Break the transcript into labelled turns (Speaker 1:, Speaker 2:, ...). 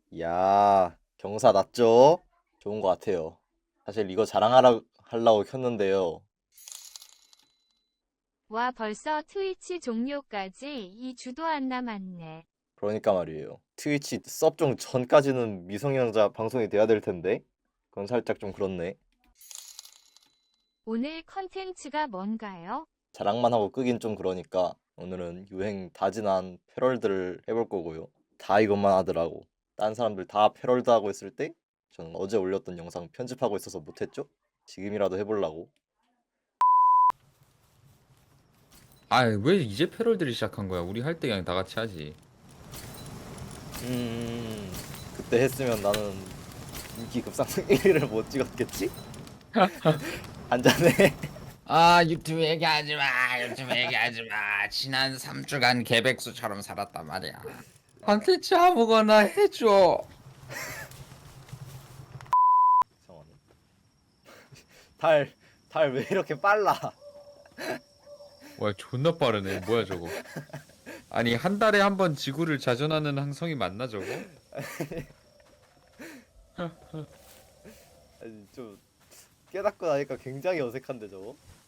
Speaker 1: 야, 경사 났죠? 좋은 것 같아요. 사실 이거 하려고 켰는데요.
Speaker 2: 와, 벌써 트위치 종료까지 2주도 안 남았네.
Speaker 1: 그러니까 말이에요. 트위치 섭종 전까지는 미성년자 방송이 돼야 될 텐데. 그건 살짝 좀 그렇네.
Speaker 2: 오늘 컨텐츠가 뭔가요?
Speaker 1: 자랑만 하고 끄긴 좀 그러니까 오늘은 유행 다 지난 패럴들을 해볼 거고요. 다 이것만 하더라고. 딴 사람들 다 패럴드 하고 있을 때 저는 어제 올렸던 영상 편집하고 있어서 못했죠? 지금이라도 해보려고.
Speaker 3: 아, 왜 이제 패럴들이 시작한 거야? 우리 할 때 그냥 다 같이 하지.
Speaker 1: 음, 그때 했으면 나는 인기 급상승 1위를 못 찍었겠지? 한 잔에.
Speaker 3: 아, 유튜브 얘기하지 마. 유튜브 얘기하지 마. 지난 3주간 개백수처럼 살았단 말이야. 컨텐츠 아무거나 해줘.
Speaker 1: 잠깐만. 달, 달 왜 이렇게 빨라?
Speaker 3: 와, 존나 빠르네. 뭐야 저거? 아니, 한 달에 한 번 지구를 자전하는 항성이 맞나 저거?
Speaker 1: 아니, 좀 깨닫고 나니까 굉장히 어색한데 저거?